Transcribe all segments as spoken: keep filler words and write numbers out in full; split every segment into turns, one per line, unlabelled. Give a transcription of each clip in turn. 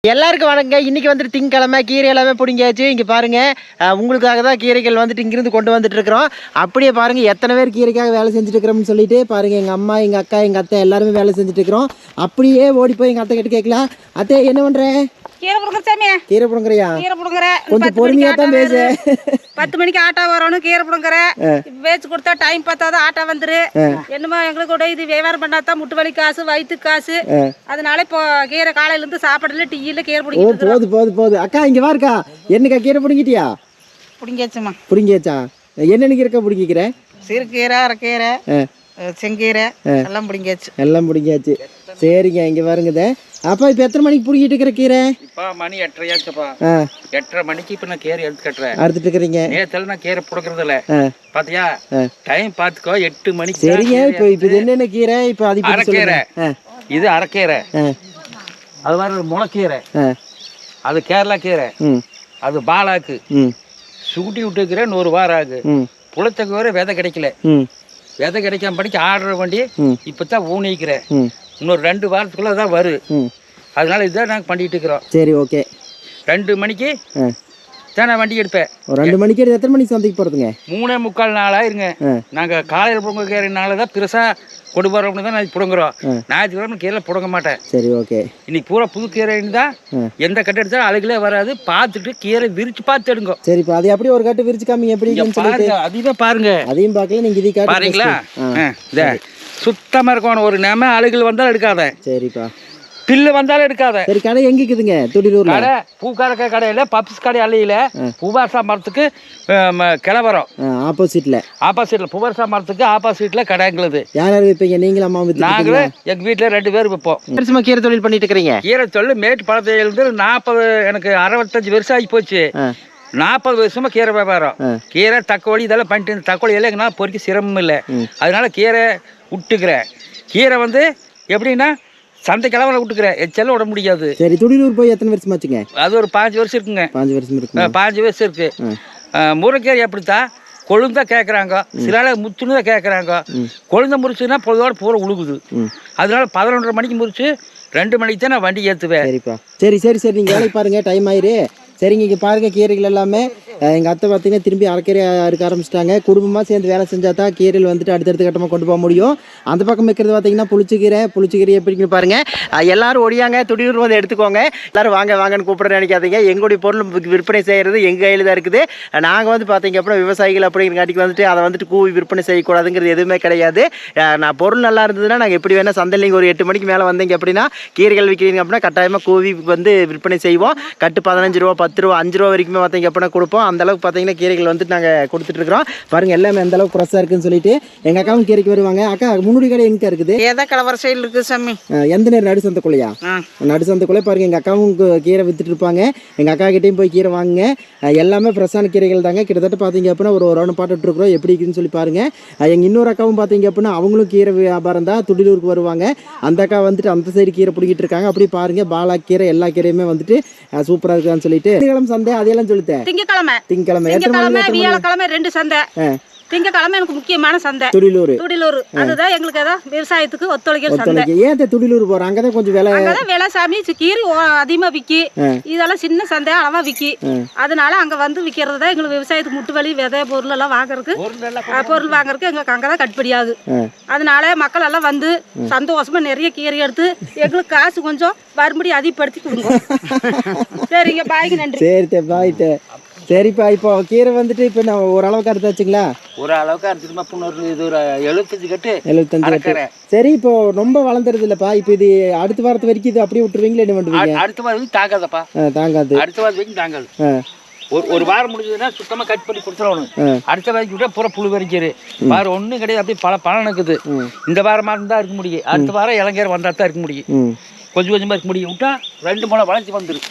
எல்லாருக்கும் வணக்கங்க. இன்னைக்கு வந்துட்டு திங்கக்கிழமை கீரை எல்லாமே பிடிங்காச்சு. இங்கே பாருங்க, உங்களுக்காக தான் கீரைகள் வந்துட்டு இங்கிருந்து கொண்டு வந்துட்டு இருக்கிறோம். அப்படியே பாருங்க எத்தனை பேர் கீரைக்காக வேலை செஞ்சுட்டு இருக்கிறோம்னு சொல்லிட்டு பாருங்க. எங்கள் அம்மா, எங்கள் அக்கா, எங்கள் அத்தை எல்லாருமே வேலை செஞ்சுட்டு இருக்கிறோம். அப்படியே ஓடி போய் எங்கள் அத்தை கிட்ட கேட்கலாம், அத்தை என்ன பண்றேன்?
கீரை புடுங்குற சாமியா.
கீரை புடுங்குறியா?
கீரை புடுங்குற.
கொஞ்சம் பொறுமையா தான் பேசு.
பத்து மணிக்கு ஆட்டோ வரணும். கீரை புடுங்குற. பேச்சு கொடுத்தா டைம் பார்த்தாதான் ஆட்டோ வந்துரு. என்னமோ எங்களுக்கு கூட இது வியாபாரம் பண்ணாதான் முட்டு வலி காசு, வயிற்று காசு. அதனால இப்போ கீரை காலையில இருந்து சாப்பாடுல டீயில கீரை புடிங்கிட்டு.
போது போது போது அக்கா இங்க வாருக்கா. என்னக்கா கீரை புடிங்கிட்டியா?
புடிங்கியாச்சுமா.
புடிங்கியாச்சா? என்னென்ன கீரை புடிங்கிக்கிறேன்?
சிறுகீரை, அரைக்கீரை, செங்கீரை எல்லாம் பிடிங்காச்சு.
எல்லாம் பிடிங்காச்சு. சரிங்க, இங்கே பாருங்கதே. அப்பா இப்போ எத்தனை மணிக்கு பிடிக்கிட்டு இருக்கிற கீரை?
இப்போ மணி எட்டரையாச்சுப்பா. எட்டரை மணிக்கு இப்போ நான் கீரை எடுத்து கட்டுறேன்.
அறுத்துட்டு இருக்கிறீங்க?
நேரத்தில் நான் கீரை புடுக்கிறது இல்லை. பாத்தியா டைம் பார்த்துக்கோ, எட்டு மணிக்கு.
சரிங்க, இப்போ இப்போ இது என்னென்ன கீரை? இப்போ அது
அரைக்கீரை. இது அரைக்கீரை. அது மாதிரி முளைக்கீரை. அது கேரளா கீரை. அது பாலாக்கு. சுகுட்டி விட்டுக்கிற நூறு வாரம் ஆகு. புளத்தக்கு வர விதை கிடைக்கல. விதை கிடைக்காம படிக்க ஆடுற வண்டி இப்பதான் ஊனிக்கிறேன். இன்னொரு ரெண்டு வாரத்துக்குள்ள தான் வரும். அதனால இதுதான் நாங்கள் பண்ணிட்டு இருக்கிறோம்.
சரி, ஓகே.
ரெண்டு மணிக்கு தான் நான் வண்டி எடுப்பேன்.
ரெண்டு மணிக்கு எடுத்து எத்தனை மணிக்கு சந்தைக்கு போறதுங்க?
மூணே முக்கால் நாளா இருங்க. நாங்கள் காலையில் புடுங்க கீரைனால தான் பெருசா கொண்டு போறோம்னு தான் நான் புடுங்குறோம். ஞாயிற்றுக்கிழமை கீரை புடுங்க மாட்டேன்.
சரி, ஓகே.
இன்னைக்கு பூரா புது கீரைன்னு தான். எந்த கட்டு எடுத்தாலும் அழுகலே வராது. பார்த்துட்டு கீரை விரிச்சு பார்த்து எடுங்க.
சரிப்பா, அது அப்படியே ஒரு கட்டு விரிச்சு காமிங்க. எப்படி
பாருங்க, அதையும் பாருங்க.
அதையும் பார்க்கல, நீங்க இதை காட்டு
பாருங்களா? இந்த சுத்தமா இருக்கணும். ஒரு நேம அழுகல் வந்தாலும் எடுக்காத.
சரிப்பா.
பில்லு வந்தாலும் எடுக்காத.
சரி, கடை எங்க இருக்குதுங்க? துடிலூர்ல
கடை பூக்காரக்க கடையில பப்ஸ் கடை அள்ளியில பூவாசா மரத்துக்கு கிளவரம்
ஆப்போசிட்ல.
ஆப்போசிட்ல பூவாசா மரத்துக்கு ஆப்போசிட்ல கடை எங்களுது.
யார் யார் வைப்பீங்க? நீங்களும் அம்மா?
நாங்களே எங்க வீட்டுல ரெண்டு பேர் வைப்போம்.
வருஷமா கீரை தொழில் பண்ணிட்டு இருக்கிறீங்க?
கீரை தொழில் மேட்டு பழத்திலிருந்து நாற்பது எனக்கு அறுபத்தஞ்சு வருஷம் ஆகி போச்சு. நாற்பது வருஷமா கீரை வியாபாரம். கீரை தக்கோழி இதெல்லாம் பண்ணிட்டு தக்கோழி எல்லாம் நான் பொறிக்க சிரமம் இல்லை. அதனால கீரை விட்டுக்கிறேன். கீரை வந்து எப்படின்னா சந்தை கிழமை விட்டுக்கிறேன். எச்செல்லாம் விட முடியாது.
சரி, துடிலூர் போய் எத்தனை வருஷம் ஆச்சுங்க?
அது ஒரு பாஞ்சு வருஷம் இருக்குங்க.
பாஞ்சு வருஷம் இருக்கு.
பாஞ்சு வருஷம் இருக்கு. முருங்கீரை எப்படித்தான் கொழுந்தா கேட்குறாங்க, சில முத்துன்னு தான் கேட்குறாங்க. கொழுந்த முறிச்சுன்னா பொதுவோட பூரா உழுகுது. அதனால பதினொன்றரை மணிக்கு முறிச்சு ரெண்டு மணிக்கு தான் நான் வண்டி ஏற்றுவேன்.
சரிப்பா. சரி சரி சரி, நீங்கள் வேலைக்கு பாருங்க, டைம் ஆயிரு. சரிங்க, இங்கே பாருங்க கீரைகள் எல்லாமே எங்கள் அத்தை பார்த்தீங்கன்னா திரும்பி அரைக்கீரை அறுக்க ஆரம்பிச்சிட்டாங்க. குடும்பமாக சேர்ந்து வேலை செஞ்சால் தான் கீரையில் வந்துட்டு அடுத்தடுத்த கட்டமாக கொண்டு போக முடியும். அந்த பக்கம் வைக்கிறது பார்த்தீங்கன்னா புளிச்சக்கீரை. புளிச்சக்கீரை எப்படின்னு பாருங்க. எல்லாரும் ஒடியாங்க, துடியூர் வந்து எடுத்துக்கோங்க. எல்லாரும் வாங்க வாங்கன்னு கூப்பிட நினைக்காதீங்க. எங்களுடைய பொருள் விற்பனை செய்கிறது எங்கள் கையில் தான் இருக்குது. நாங்கள் வந்து பார்த்தீங்க அப்படின்னா விவசாயிகள் அப்படிங்கிறங்காட்டிக்கு வந்துட்டு அதை வந்துட்டு கூவி விற்பனை செய்யக்கூடாதுங்கிறது எதுவுமே கிடையாது. நான் பொருள் நல்லா இருந்ததுன்னா நாங்கள் எப்படி வேணால் சந்தையில் ஒரு எட்டு மணிக்கு மேலே வந்தீங்க அப்படின்னா கீரைகள் விற்கிறீங்க அப்படின்னா கட்டாயமாக கூவி வந்து விற்பனை செய்வோம். கட்டு பதினஞ்சு ரூபா, பத்து ரூபா, அஞ்சு ரூபா வரைக்குமே பார்த்தீங்க அப்படின்னா கொடுப்போம். அந்த அளவுக்கு பார்த்தீங்கன்னா கீரைகள் வந்துட்டு நாங்கள் கொடுத்துட்டு இருக்கிறோம். பாருங்க எல்லாமே எந்த அளவுக்கு ஃப்ரெஷ்ஷாக இருக்குன்னு சொல்லிட்டு எங்கள் அக்காவும் கீரைக்கு வருவாங்க. அக்கா, முன்னாடி கடை எங்கே இருக்குது?
ஏதோ கலவர சைடில் இருக்குது சாமி.
எந்த நேரம்? நடு சந்தைக்குள்ளையா? நடு சந்தைக்குள்ளே பாருங்க எங்கள் அக்காவும் கீரை வித்துட்டு இருப்பாங்க. எங்கள் அக்கா கிட்டையும் போய் கீரை வாங்குங்க. எல்லாமே ஃப்ரெஷ்ஷான கீரைகள் தாங்க. கிட்டத்தட்ட பார்த்தீங்க அப்படின்னா ஒரு ரவுண்ட் பாட்டுட்டு இருக்கிறோம். எப்படி இருக்குன்னு சொல்லி பாருங்க. எங்கள் இன்னொரு அக்காவும் பார்த்தீங்க அப்படின்னா அவங்களும் கீரை வியாபாரம் தான், துடிலூருக்கு வருவாங்க. அந்த அக்கா வந்துட்டு அந்த சைடு கீரை பிடிக்கிட்டு இருக்காங்க. அப்படி பாருங்க பாலா கீரை எல்லா கீரையுமே வந்துட்டு சூப்பராக இருக்கான்னு சொல்லிட்டு சந்தை அதெல்லாம் சொல்லிட்டேன்.
திங்கக்கிழமை
திங்கக்கிழமை
வியாழக்கிழமை ரெண்டு சந்தை. திங்கக்கிழமை எனக்கு முக்கியமான சந்தை
துடிலூர்.
துடிலூர் அதுதான் எங்களுக்கு அதான் விவசாயத்துக்கு ஒத்துழைக்கிற சந்தை.
ஏன் துடிலூர் போறோம்? அங்கதான் கொஞ்சம் விலை
அங்கதான் விலை சாமி. கீரை அதிகமா விக்கி. இதெல்லாம் சின்ன சந்தை அளவா விக்கி. அதனால அங்க வந்து விக்கிறது தான் எங்களுக்கு விவசாயத்துக்கு முட்டு வலி விதை பொருள் எல்லாம் வாங்குறதுக்கு பொருள் வாங்குறதுக்கு எங்களுக்கு அங்கதான் கட்டுப்படியாகு. அதனால மக்கள் எல்லாம் வந்து சந்தோஷமா நிறைய கீரை எடுத்து எங்களுக்கு காசு கொஞ்சம் மறுபடியும் அதிகப்படுத்தி கொடுங்க. சரிங்க, பாய்க்கு நன்றி.
சரி பாய்ட்டு. சரிப்பா, இப்போ கீரை வந்துட்டு இப்போ நான் ஓரளவுக்கு அறுத்தாச்சுங்களா?
ஒரு அளவுக்கு அறுத்துமா பொண்ணு. இது ஒரு எழுபத்தஞ்சு கட்டு.
எழுபத்தஞ்சு கட்டு. சரி, இப்போ ரொம்ப வளர்ந்துருது இல்லப்பா. இப்போ இது அடுத்த வாரத்து வரைக்கும் இது அப்படியே விட்டுருவீங்களா? என்ன பண்ணுவீங்க?
அடுத்த வாரம் தாங்காதப்பா. தாங்காது. அடுத்த வாரம் வரைக்கும் தாங்காது. ஒரு ஒரு வாரம் முடிஞ்சதுன்னா சுத்தமா கட் பண்ணி கொடுத்துருவோம். அடுத்த வாரம் விட்டா பூரா புழு வரைக்கிது. வாரம் ஒன்றும் கிடையாது. அப்படியே பல பலன் இருக்குது. இந்த வாரமாக இருந்தால் இருக்க முடியும். அடுத்த வாரம் இளங்கீரை வந்தால் தான் இருக்க முடியும். கொஞ்சம் கொஞ்சமாக இருக்க முடியும். விட்டா ரெண்டு மூணு வளைஞ்சி வந்துடும்.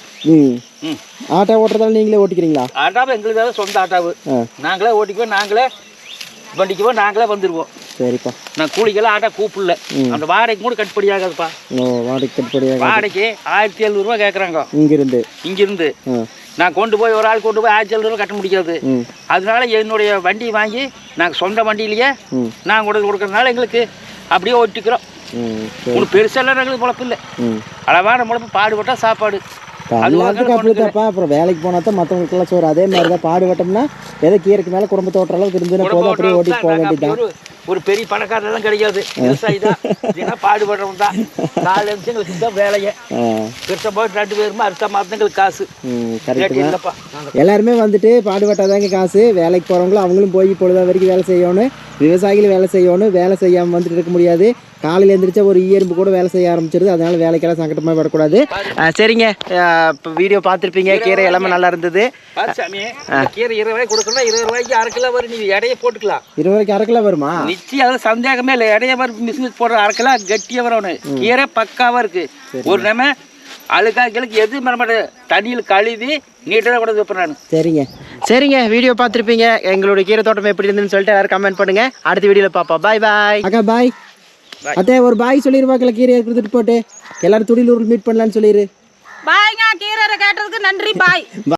ஆட்டோ ஓட்டுறதால நீங்களே ஓட்டிக்கிறீங்களா?
ஆட்டாவை எங்களுக்கு சொந்த ஆட்டாவு. நாங்களே ஓட்டிக்குவோம், நாங்களே வண்டிக்குவோம், நாங்களே வந்துடுவோம். சரிப்பா. நான் கூலிக்கெல்லாம் ஆட்டா கூப்பிடல. அந்த வாடகைக்கு கூட கட்டுப்படி ஆகாதுப்பா.
வாடகை கட்டுப்படி
வாடகைக்கு ஆயிரத்தி எழுநூறு ரூபா கேட்குறாங்க.
இங்கிருந்து
இங்கிருந்து நான் கொண்டு போய் ஒரு ஆள் கொண்டு போய் ஆயிரத்தி எழுநூறு ரூபா கட்ட முடியாது. அதனால என்னுடைய வண்டி வாங்கி நாங்கள் சொந்த வண்டியிலேயே நாங்கள் கொண்டு கொடுக்கறதுனால எங்களுக்கு அப்படியே ஓட்டிக்கிறோம். ஒன்றும் பெருசெல்லாம் எங்களுக்கு பொழப்பு இல்லை. அளவான முழப்பு பாடுபட்டால் சாப்பாடு
எல்லாத்துக்கும் அப்படித்தாப்பா. அப்புறம் வேலைக்கு போனா தான் மற்றவங்களுக்குலாம் சோறு. அதே மாதிரி தான் பாடுபட்டோம்னா ஏதோ கீரைக்கு மேலே குடும்பத்தை ஓட்டுற அளவுக்கு இருந்துன்னா போதும், அப்படியே ஓட்டிட்டு போக வேண்டியதுதான்.
ஒரு பெரிய பணக்காரெல்லாம் கிடையாது, விவசாயி தான். இதுனா பாடுபடுறவங்க தான். நாலு நிமிஷங்களுக்கு தான் வேலையை பெருசாக போய் ரெண்டு பேருமா அடுத்த மாதங்களுக்கு காசு.
கரெக்டு தான். எல்லாருமே வந்துட்டு பாடுபட்டாதாங்க காசு. வேலைக்கு போகிறவங்களும் அவங்களும் போய் பொழுதா வரைக்கும் வேலை செய்யணும். விவசாயிகளும் வேலை செய்யணும். வேலை செய்யாமல் வந்துட்டு இருக்க முடியாது. காலையில் எழுந்திரிச்சா ஒரு ஈயரும்பு கூட வேலை செய்ய ஆரம்பிச்சிருது. அதனால வேலைக்கெல்லாம் சங்கடமாக படக்கூடாது. சரிங்க, இப்போ வீடியோ பார்த்துருப்பீங்க. கீரை எல்லாமே நல்லா இருந்தது.
சாமி, கீரை இருபது ரூபாய்க்கு கொடுக்கணும். இருபது ரூபாய்க்கு அரை கிலோ வரும். நீ எடையை போட்டுக்கலாம். இருபது
ரூபாய்க்கு அரை கிலோ வருமா?
நிச்சயம், அது சந்தேகமே இல்லை. எடைய வரும். மிஷினுக்கு போடுற அரை கிலோ கட்டியாக வரணும். கீரை பக்காவாக இருக்கு. ஒரு நம்ம அழுக்காக்கிலுக்கு எது மரமாட்ட தண்ணியில் கழுவி நீட்டாக கூட வைப்பேன் நான்.
சரிங்க சரிங்க வீடியோ பார்த்துருப்பீங்க. எங்களுடைய கீரை தோட்டம் எப்படி இருந்துன்னு சொல்லிட்டு எல்லாரும் கமெண்ட் பண்ணுங்க. அடுத்த வீடியோவில் பார்ப்போம். பாய் பாய். அக்கா பாய். அத்தே ஒரு பாய் சொல்லிடுவாக்கல கீரை கொடுத்துட்டு போட்டு எல்லாரும் துடிலூரில் மீட் பண்ணலான்னு சொல்லிடு.
பாய்ங்க, கீரை கேட்டதுக்கு நன்றி. பாய்.